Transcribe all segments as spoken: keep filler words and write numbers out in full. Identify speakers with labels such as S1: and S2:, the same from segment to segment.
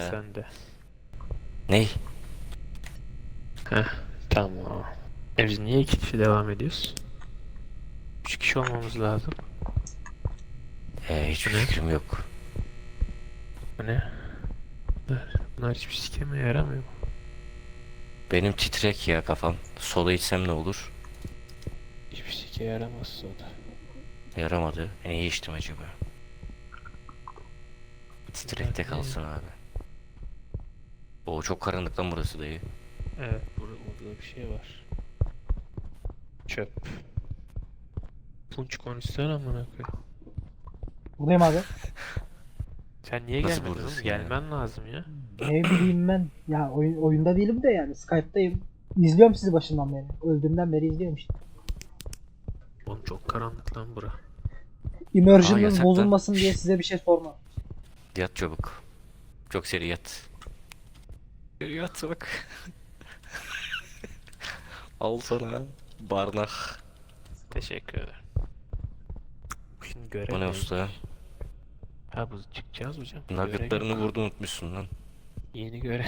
S1: ya.
S2: sende.
S1: Ney?
S2: Heh, tamam. E biz niye iki kişi devam ediyoruz? Üç kişi olmamız lazım.
S1: Ee, hiçbir
S2: Bu ne?
S1: fikrim yok.
S2: Bu ne? Bunlar, bunlar hiçbir sikeme yaramıyor.
S1: Benim titrek ya kafam. Sola içsem ne olur?
S2: Hiçbir sike yaramaz o da.
S1: Yaramadı. E, ne içtim acaba? Titrekte
S2: Bunlar ne?
S1: kalsın abi. Oo, çok karanlık lan burası dayı.
S2: Evet, burada, burada bir şey var. Çöp. Punç konuşsana amına koyayım.
S3: Buradayım abi.
S2: Sen niye
S1: Nasıl
S2: gelmedin oğlum?
S1: buradasın ya?
S2: Gelmen lazım ya.
S3: Ne bileyim ben. Ya oyun, oyunda değilim de yani Skype'dayım. İzliyorum sizi başından beri. Öldüğümden beri izliyorum işte.
S2: Oğlum çok karanlık lan bura.
S1: Aa,
S3: Immersion'ınız
S1: yasak lan.
S3: bozulmasın diye size bir şey sormam.
S1: Yat çabuk. Çok seri yat. Seri yat bak. Al sana. Barnak.
S2: Teşekkür ederim. Şimdi görev
S1: Bu ne
S2: neymiş?
S1: usta?
S2: Ha, bu çıkacağız hocam.
S1: Nuggetlarını
S2: Görev yok.
S1: vurdu unutmuşsun lan.
S2: Yeni görev.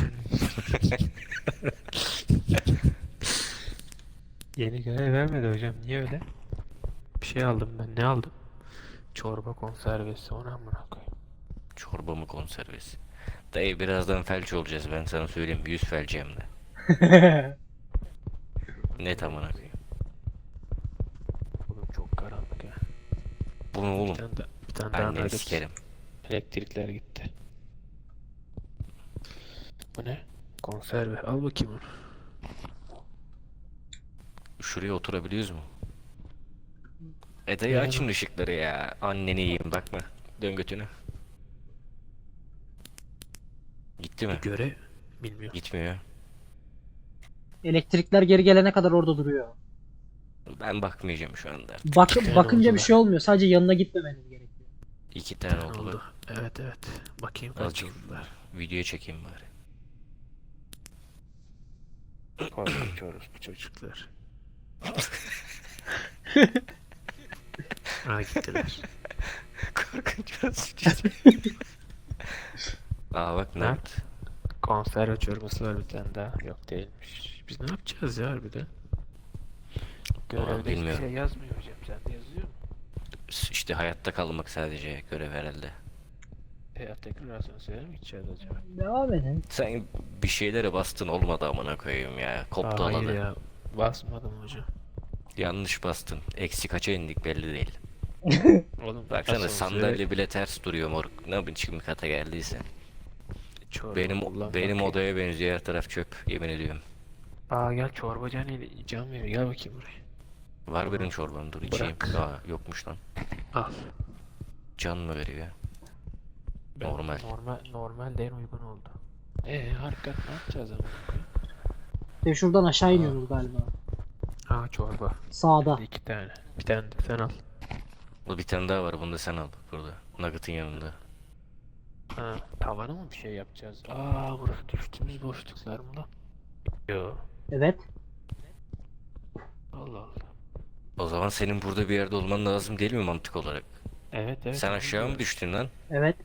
S2: Yeni görev vermedi hocam. Niye öyle? Bir şey aldım ben. Ne aldım? Çorba konservesi. Ona amına koyayım.
S1: Çorba mı konservesi? Dayı birazdan felç olacağız, ben sana söyleyeyim. Yüz felci hem de. Net amına koyayım.
S2: Oğlum çok karanlık ya.
S1: Bu ne
S2: Bir
S1: oğlum?
S2: tane, da, bir tane daha
S1: Anneni
S2: nugget.
S1: sikerim.
S2: Elektrikler gitti. Bu ne? Konserve. Al bakayım onu.
S1: Şuraya oturabiliyoruz mu? E dayı
S2: Yani
S1: açın ışıkları ya. Anneni yiyeyim bakma. Dön götünü. Gitti mi?
S2: bir görev. Bilmiyorum.
S1: Gitmiyor.
S3: Elektrikler geri gelene kadar orada duruyor.
S1: Ben bakmayacağım şu anda artık.
S3: Bak,
S2: tane
S3: bakınca bir
S2: oldular.
S3: şey olmuyor. Sadece yanına gitmemeniz gerekiyor.
S1: İki tane
S2: Ne
S1: oldu
S2: oldu?
S1: bak.
S2: Evet evet. Bakayım kaç
S1: Azıcık
S2: oldular.
S1: videoya çekeyim bari.
S2: Korkunç orospu çocuklar. Ha, gittiler.
S1: Korkunç biraz. Aa bak ne
S2: Ne?
S1: yaptı?
S2: Konserve çorbası var bir tane daha. Yok değilmiş. Biz ne yapacağız ya harbiden? Görevde hiçbir
S1: bilmiyorum.
S2: şey yazmıyor hocam. Sen de yazıyor mu?
S1: İşte hayatta kalmak sadece görev herhalde.
S2: E tekrar asansöre mi gideceğiz acaba?
S3: Devam edin.
S1: Sen bir şeylere bastın, olmadı amına koyayım ya. Koptu
S2: Aa, hayır
S1: aladı.
S2: ya. Basmadım hocam.
S1: Yanlış bastın. Eksi kaça indik belli değil.
S2: Oğlum
S1: Baksana
S2: asansöre
S1: sandalye bile ters duruyor moruk. Ne biçim kata geldiyse.
S2: çorba
S1: Benim
S2: kullanmak
S1: benim
S2: yok.
S1: odaya benziyor, her taraf çöp, yemin ediyorum.
S2: Aa gel çorbacı hani can veriyor. Gel bakayım buraya.
S1: Var benim çorbam, dur içeyim.
S2: Bırak.
S1: Aa yokmuş lan.
S2: Al.
S1: Can mı veriyor?
S2: Ben-
S1: Normal.
S2: Normal, normal de en uygun oldu. Eee harika, ne yapacağız ama?
S3: Ve şuradan aşağı iniyoruz galiba.
S2: Aa çorba.
S3: Sağda.
S2: İki tane. Bir tane de sen al.
S1: Bu bir tane daha var, bunu da sen al burada. Nugget'ın yanında.
S2: Ha, tavana mı bir şey yapacağız? Aa burası düştüğümüz boşluklar mı lan? Yo.
S3: Evet.
S2: Allah Allah.
S1: O zaman senin burada bir yerde olman lazım değil mi mantık olarak?
S2: Evet evet.
S1: Sen
S2: onu
S1: aşağı mı
S2: diyorum.
S1: düştün lan?
S3: Evet.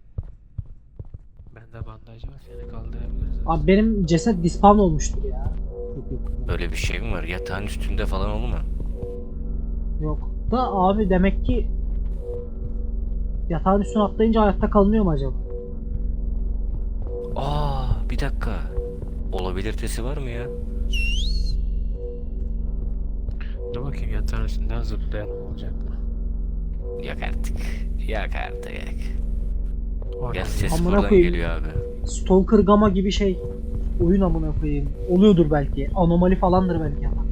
S2: Bende bandaj var, seni kaldırabiliriz.
S3: Abi benim ceset dispawn olmuştur ya. Çok iyi.
S1: Öyle bir şey mi var? Yatağın üstünde falan olma.
S3: Yok. Da abi demek ki yatağın üstüne atlayınca hayatta kalınıyor mu acaba?
S1: Aa bir dakika. Olabilitesi var mı ya?
S2: Dur bakayım yatağın üstünden zıplayalım olacak mı?
S1: Yok artık. Yok artık. Yok.
S2: Orada
S1: Ya
S2: bir-
S1: ses
S3: Amına
S1: buradan
S3: koyayım.
S1: geliyor abi.
S3: Stalker Gamma gibi şey. Oyun amına koyayım. Oluyordur belki. Anomali falandır belki ama.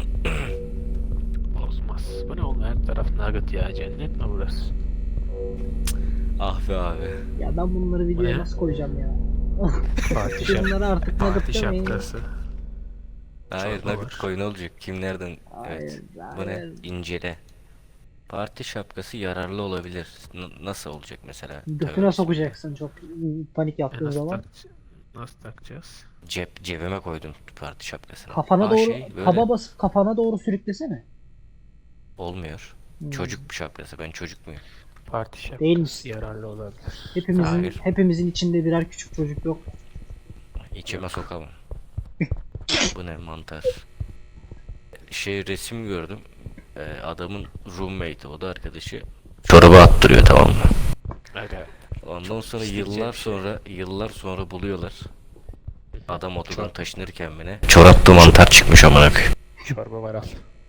S2: Olmaz. Bu ne oğlum, her taraf nugget ya, cennet mi burası?
S1: Ah be abi.
S3: Ya ben bunları videoya
S2: ne?
S3: nasıl koyacağım ya?
S2: Fatih şap
S3: Bunları artık
S2: Fatih
S3: nugget demeyin.
S2: şapkası.
S1: Hayır
S2: Çorba
S1: Nugget
S2: var.
S1: koy, ne olacak? Kim nereden?
S3: Hayır,
S1: Evet. Bu ne?
S3: hayır.
S1: İncele. Parti şapkası yararlı olabilir. N- nasıl olacak mesela?
S3: Götüne
S1: Tövbe
S3: sokacaksın çok panik
S2: E,
S3: yaptığın
S2: nasıl,
S3: zaman.
S2: tak nasıl takacağız?
S1: Cep cebime koydum parti şapkasını.
S3: Kafana
S1: Aa,
S3: doğru
S1: şey, böyle
S3: taba basıp kafana doğru sürüklesene.
S1: olmuyor.
S3: Hmm.
S1: Çocuk şapkası. Ben çocuk muyum?
S2: Parti şapkası
S3: Değil misin?
S2: yararlı olabilir.
S3: Hepimizin
S1: Hayır.
S3: hepimizin içinde birer küçük çocuk yok.
S1: İçime sokamam. Bu ne mantar. Şey resim gördüm. Ee, adamın roommate'i, o da arkadaşı. Çoraba attırıyor, tamam mı?
S2: Aga.
S1: Ondan sonra
S2: işkence
S1: yıllar
S2: bir şey.
S1: sonra yıllar sonra buluyorlar. Adam odadan taşınırken mi ne? Çorapta mantar çıkmış amına koyayım.
S2: Çorba var al.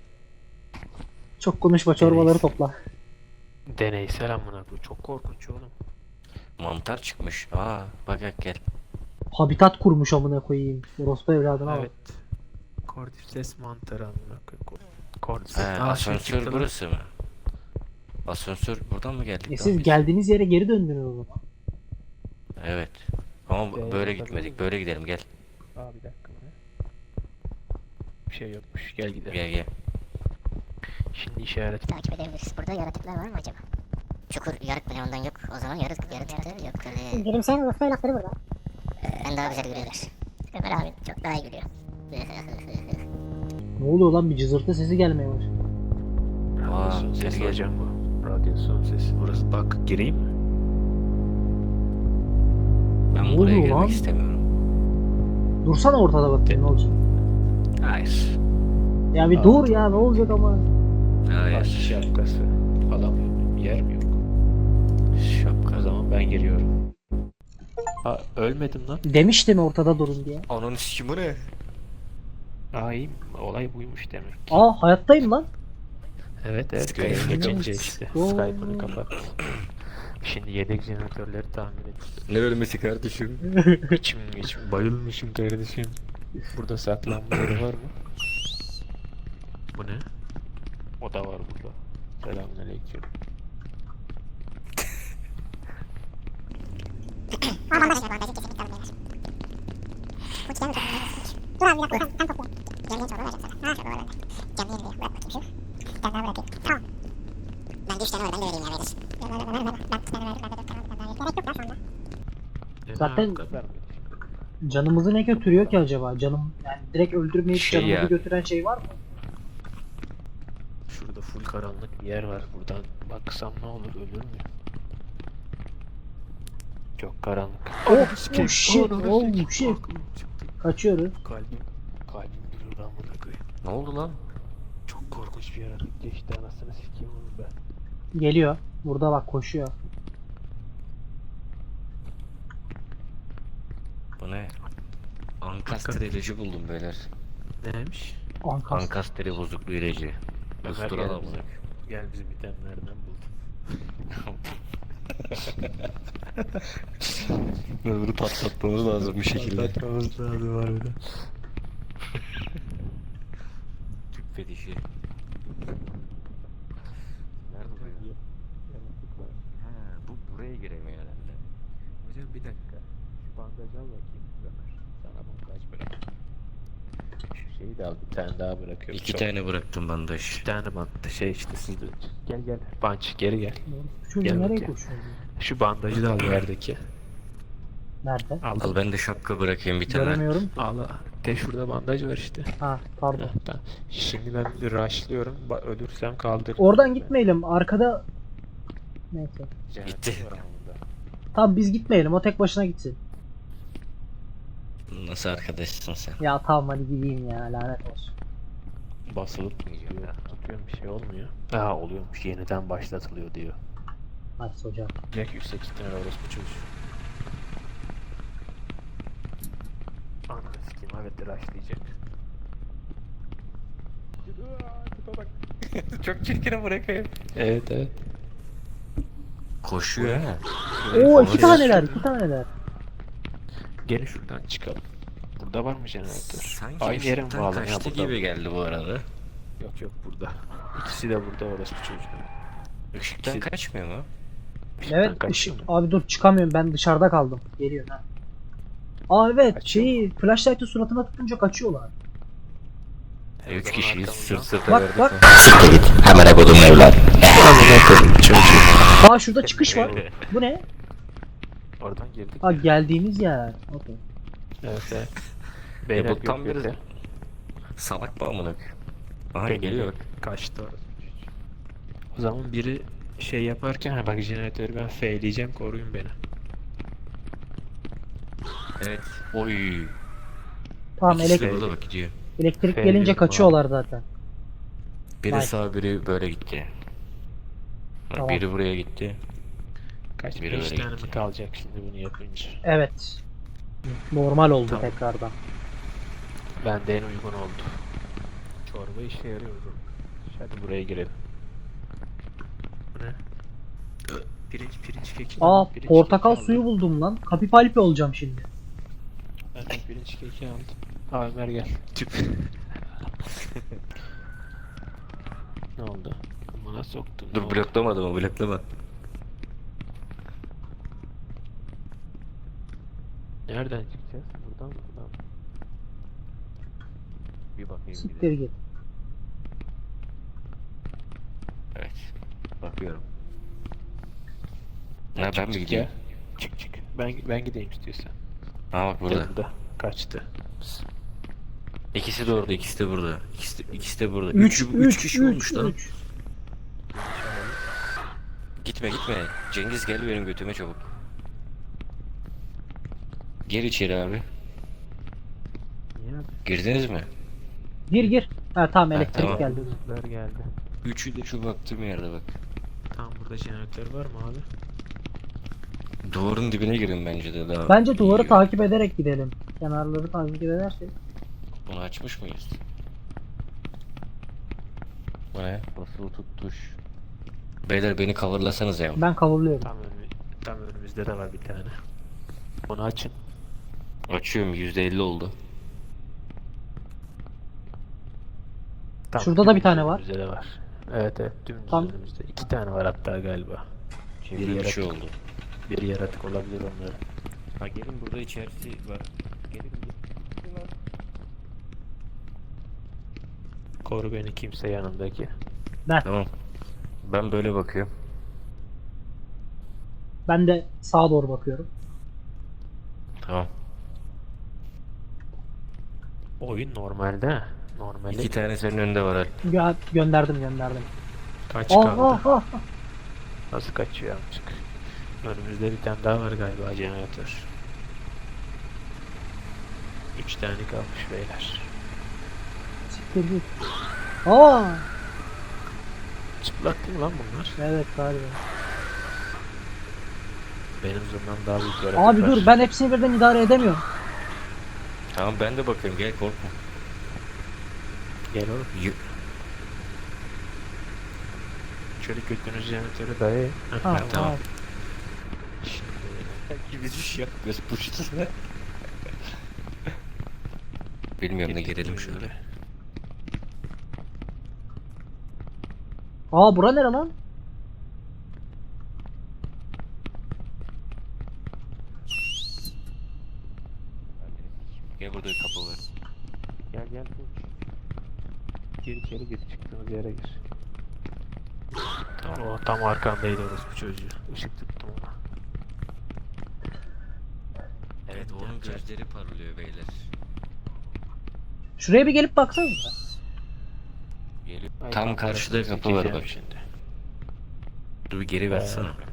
S3: Çok konuşma, çorbaları topla.
S2: Deneysel amına koyayım. Çok korkunç oğlum.
S1: Mantar çıkmış. Aa bak bak gel.
S3: Habitat kurmuş amına koyayım. Orospu evladına bak.
S2: Evet. Cordyceps mantarı amına koyayım. Cordyceps.
S1: He,
S2: Aa, şey
S1: asansör
S2: çıktı lan.
S1: burası mı? Asansör buradan mı geldik?
S3: E
S1: lan
S3: siz
S1: biz?
S3: geldiğiniz yere geri döndünüz o zaman.
S1: Evet. Ama bu-
S2: Ee,
S1: böyle
S2: tabii.
S1: gitmedik. Böyle gidelim gel.
S2: Aa bir dakika. Ne? Bir şey yokmuş. Gel gidelim.
S1: Gel gel.
S2: Şimdi işaret.
S4: Takip edebiliriz. Burada yaratıklar var mı acaba? Çukur yarık bile ondan yok. O zaman yarık yaratıklar yok. Öyle.
S5: Gülümseyen Urfa evlatları burada.
S4: Ben daha güzel gülüyorlar. Ömer abi çok daha iyi gülüyor.
S3: Ne oluyor lan, bir cızırtı sesi gelmeye başladı.
S1: Aa,
S2: Radyasyon
S1: gel
S2: sesi
S1: gel.
S2: hocam bu. Radyasyon sesi. Burası bak gireyim mi?
S1: Ben
S3: Ne
S1: buraya
S3: oluyor
S1: girmek
S3: lan?
S1: istemiyorum.
S3: Dursana ortada bakayım ne olacak.
S1: Hayır.
S3: Ya bir
S2: Aa.
S3: dur ya, ne olacak ama.
S2: Parti
S1: Hayır.
S2: şapkası. Alamıyorum. Yer mi yok? O
S1: Şapka.
S2: zaman ben giriyorum. Aa ölmedim lan.
S3: Demiştim ortada durun diye.
S1: Ananı sikim, bu ne?
S2: Aa iyi. Olay buymuş demek.
S3: Aa, hayattayım lan.
S2: Evet evet.
S1: Skype.
S2: Görev geçince işte.
S3: Oo.
S2: Skype'ını kapat. Şimdi yedek jeneratörleri tamir et.
S1: Ne ölmesi kardeşim?
S2: İçim içim bayılmışım kardeşim. Burada saklanma yeri var mı? Bu ne? O da var burada. Selamünaleyküm.
S5: Aa bandaj var, bandajı kesinlikle alın beyler. Bu çıkan mı çok önemli. Dur abi bir dakika, sen, sen topla. Canlı yayın çorba vereceğim sana. Ha çorba var bende. Canlı yayın diye bırak bakayım şu. Bir tane daha bırakayım. Tamam.
S4: Ben de üç tane var, ben de vereyim ya verir.
S5: Ver ver ver ver ver. Ben bir tane verdim, ben de dört tane aldım, bir tane daha verdim. Gerek yok ya şu anda.
S2: Ne
S3: Zaten-
S2: bu kadar mı?
S3: Canımızı ne götürüyor ki acaba? Canım yani direkt öldürmeyip
S1: Şey
S3: canımızı
S1: ya.
S3: götüren şey var mı?
S2: Şurada full karanlık bir yer var. Buradan baksam ne olur, ölür mü? Çok karanlık.
S3: Oh, oh shit, oh shit. Kaçıyoruz.
S2: Kalbim, kalbim durur amına koyayım.
S1: Ne oldu lan?
S2: Çok korkunç bir yaratık geçti, anasını sikeyim onu ben.
S3: Geliyor. Burada bak, koşuyor.
S1: Bu ne? Ankastre ilacı buldum beyler.
S2: Neymiş?
S3: Ankas.
S1: Ankastre bozukluğu ilacı.
S2: Ömer
S1: Ustura
S2: gel
S1: da
S2: bize. Gel bizim itemlerden buldum.
S1: Bunu patlatmamız lazım bir şekilde.
S2: Patlatmamız lazım harbiden.
S1: Tüp fetişi. Nerede bu ya?
S2: Yaratık var.
S1: Ha, bu buraya giremiyor herhalde.
S2: Hocam bir dakika. Şu bandajı al bakayım Ömer. Sana bandaj bırak. Şu şeyi de al, bir tane daha bırakıyorum.
S1: İki
S2: Çok-
S1: tane bıraktım bandaj.
S2: Bir tane bandaj şey işte siz de. Gel gel. Bunch geri gel.
S3: Çocuğu
S2: Gel
S3: nereye
S2: bakayım.
S3: koşuyor?
S2: Şu bandajı da al yerdeki.
S3: Nerede?
S2: Al.
S1: Al ben de şapka bırakayım bir tane.
S3: Göremiyorum.
S2: Al. al. De şurada bandaj var işte.
S3: Ha, pardon.
S2: Heh, tamam. Şimdi ben bir rushlıyorum. Ba- Ölürsem kaldır.
S3: Oradan gitmeyelim. Arkada... Neyse.
S2: Jeneratör
S1: Gitti.
S2: var ama burada.
S3: Tamam biz gitmeyelim. O tek başına gitsin.
S1: Nasıl arkadaşsın sen?
S3: Ya tamam hadi gideyim ya. Lanet olsun.
S2: Basılıp tutuyor. Tutuyorum bir şey olmuyor. Aa oluyormuş. Yeniden başlatılıyor diyor.
S3: Hadi hocam.
S2: Direkt yüksek ihtimal orospu çocuğu. Ananı sikeyim, evet rushlayacak.
S1: Çok çirkine bırakayım.
S2: Evet evet.
S1: Koşuyor ha.
S3: Oo iki
S1: Koşuyor.
S3: taneler. iki taneler.
S2: Gelin şuradan çıkalım. Burada var mı jeneratör?
S1: Sanki
S2: Aynı yere mi
S1: ışıktan
S2: bağlı? Ya
S1: kaçtı
S2: burada.
S1: gibi geldi bu arada.
S2: Yok yok burada. İkisi de burada orospu çocuğu.
S1: Işıktan
S2: İkisi-
S1: kaçmıyor mu?
S2: Işıktan
S3: Evet.
S2: kaçıyor
S3: ışık-
S2: mu?
S3: Abi dur çıkamıyorum. Ben dışarıda kaldım. Geliyor ha. Aa evet.
S2: Kaçıyor
S3: Şeyi flashlight'ı suratına tutunca kaçıyorlar.
S2: E, o
S1: Üç
S2: zaman
S1: kişiyiz
S2: arkamızdan-
S1: sırt sırta
S3: Bak
S1: verdik.
S3: bak.
S1: Siktir git. Hemen kodum evlat.
S3: Aa şurada çıkış var. Bu ne?
S2: Oradan girdik.
S3: Ha geldiğimiz yer. Okey.
S2: Evet evet. Beyler
S1: bu tam
S2: gök
S1: bir-
S2: gökte.
S1: Salak mı amına koyayım? Aha
S2: Beni
S1: geliyor bak.
S2: Kaçtı orası. O zaman biri şey yaparken ha bak jeneratörü ben F'leyeceğim, koruyun beni.
S1: Evet. Oy.
S3: Tamam
S1: İkisi de
S3: elektrik,
S1: burada bak gidiyor.
S3: elektrik
S2: F
S3: gelince
S2: diyorum
S3: kaçıyorlar zaten.
S1: Biri
S3: Vay.
S1: sağ biri böyle gitti. Ha,
S3: Tamam.
S1: Biri buraya gitti.
S2: Kaç
S1: Biri
S2: beş
S1: öyle
S2: tane
S1: gitti.
S2: mi kalacak şimdi bunu yapınca?
S3: Evet. Normal oldu
S2: Tamam.
S3: tekrardan.
S2: Bende en uygun oldu. Çorba işe yarıyor o zaman. Hadi buraya girelim. Bu ne? Pirinç pirinç keki.
S3: Aa
S2: Pirinç
S3: portakal
S2: keki
S3: suyu
S2: aldım.
S3: buldum lan. Kapipalpi olacağım şimdi.
S2: Ben de pirinç keki aldım. Aa Ömer gel. Tüp. Ne oldu? Bana soktun. ne
S1: Dur
S2: oldu?
S1: bloklamadım o bloklama.
S2: Nereden çıkacağız? Buradan mı? Buradan mı? Bir bakayım bir
S3: Siktir
S2: de.
S3: git.
S1: Evet. Bakıyorum. Ha ben
S2: Çık,
S1: mi
S2: çık
S1: gideyim?
S2: ya. Çık çık. Ben ben gideyim istiyorsan.
S1: Ha bak burada.
S2: Gel burada. Kaçtı.
S1: İkisi de orada, ikisi de burada. İkisi de, ikisi de burada.
S3: üç
S1: Üç,
S3: üç
S1: üç kişi olmuş lan.
S3: üç.
S1: Gitme gitme. Cengiz gel benim götüme çabuk. Gir içeri abi.
S2: Niye?
S1: Girdiniz mi?
S3: Gir gir. Ha tamam elektrik
S1: tamam.
S3: geldi.
S2: Geldi. geldi.
S1: Üçü de şu baktığım yerde bak.
S2: Tamam burada jeneratör var mı abi?
S1: Duvarın dibine girin bence de daha.
S3: Bence duvarı
S1: iyi.
S3: takip ederek gidelim. Kenarları takip edersek.
S1: Bunu açmış mıyız? Bu ne? Basılı tut tuş. Beyler beni coverlasanız ya.
S3: Ben kavurluyorum.
S2: Tam, önü, tam önümüzde de var bir tane. Onu açın.
S1: Açıyorum yüzde elli oldu.
S2: Tam
S3: Şurada da bir tane var.
S2: Önümüzde de var. Evet evet dümdüz
S3: Tam-
S2: önümüzde. İki tane var hatta galiba.
S1: Şimdi
S2: Bir
S1: bir
S2: yaratık.
S1: şey oldu.
S2: Bir yaratık olabilir onların.
S1: Ha gelin burada içerisi var. Gelin gelin.
S2: Koru beni kimse yanındaki.
S1: Tamam. Ben böyle bakıyorum.
S3: Ben de sağa doğru bakıyorum.
S1: Tamam.
S2: Oyun normalde. ha. Normalde
S1: İki tane senin önünde var Al.
S3: Gö- gönderdim gönderdim.
S2: kaç
S3: Oh,
S2: kaldı?
S3: oh, oh.
S2: Nasıl kaçıyor amcık? Önümüzde bir tane daha var galiba jeneratör. Üç tane kalmış beyler.
S3: Siktir git. Aa
S2: Çıplak değil mi lan bunlar?
S3: evet galiba.
S2: Benim zırhımdan daha büyük yaratık
S3: Abi
S2: var.
S3: dur ben hepsini birden idare edemiyorum.
S1: Tamam ben de bakıyorum gel korkma.
S2: Gel oğlum.
S1: Y-
S2: Şöyle götünüzü jeneratöre dayayın. Heh,
S3: Ha,
S2: tamam.
S1: tamam.
S3: tamam.
S1: Gibi bir şey yapmıyoruz puştasına. Bilmiyorum da girelim şöyle.
S3: Aa bura nere lan?
S1: Gel burada kapı var.
S2: Gel gel koç. Gir içeri gir çıktığımız yere gir.
S1: Tamam.
S2: O tam arkandaydı orospu çocuğu. Işık tuttum ona.
S1: Evet onun gözleri parlıyor beyler.
S3: Şuraya bir gelip baksanıza.
S1: Geliyor.
S2: Ay,
S1: Tam
S2: tam
S1: karşıda
S2: tarafını
S1: kapı var
S2: sikeceğim
S1: bak.
S2: şimdi.
S1: Dur bir geri versene.
S2: Ee,